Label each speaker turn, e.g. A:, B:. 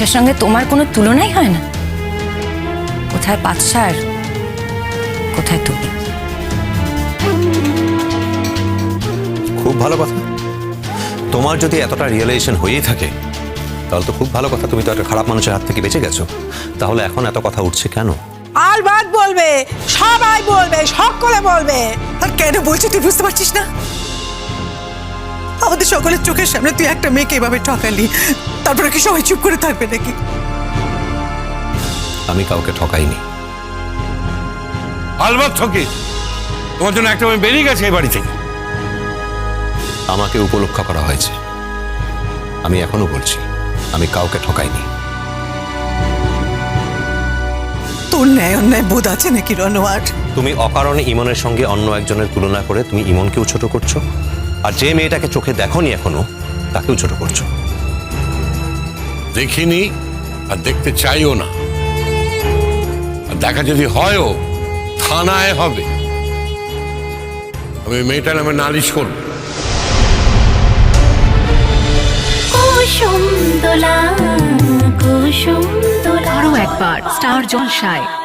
A: পাঁচশার সঙ্গে তোমার কোনো তুলনাই হয় না। কোথায় পাঁচশার, কোথায় তুমি?
B: খুব ভালো কথা। তোমার যদি এতটা রিয়েলাইজেশন হয়েই থাকে তাহলে তো খুব ভালো কথা, তুমি তো একটা খারাপ মানুষের হাত থেকে বেঁচে গেছো। তাহলে এখন এত কথা উঠছে কেন?
C: আর বাদ বলবে, সবাই বলবে, সকলে বলবে। আর কেন বলছি তুই বুঝতে পারছিস না? আমাদের সকলের চোখের সামনে তুই একটা মেয়েকে এভাবে ঠকালি, তারপরে কি সবাই চুপ করে থাকবে নাকি?
B: আমি কাউকে ঠকাইনি।
D: আলবাত ঠকিস। তোমার জন্য একটা মেয়ে বেরিয়ে গেছে এই বাড়ি থেকে।
B: আমাকে উপলক্ষ করা হয়েছে। আমি এখনো বলছি আমি কাউকে ঠকাইনি।
C: তোর ন্যায় অন্যায় বোধ আছে নাকি রনোয়ার?
B: তুমি অকারণে ইমনের সঙ্গে অন্য একজনের তুলনা করে তুমি ইমনকেও ছোট করছো, আর যে মেয়েটাকে চোখে দেখোনি এখনো তাকেও ছোট করছো।
D: দেখিনি আর দেখতে চাইও না, আর দেখা যদি হয়ও থানায় হবে। আমি মেয়েটার নামে নালিশ করব।
E: কুসুম দোলা কুসুম দোলা।
F: আরও একবার স্টার জলসায়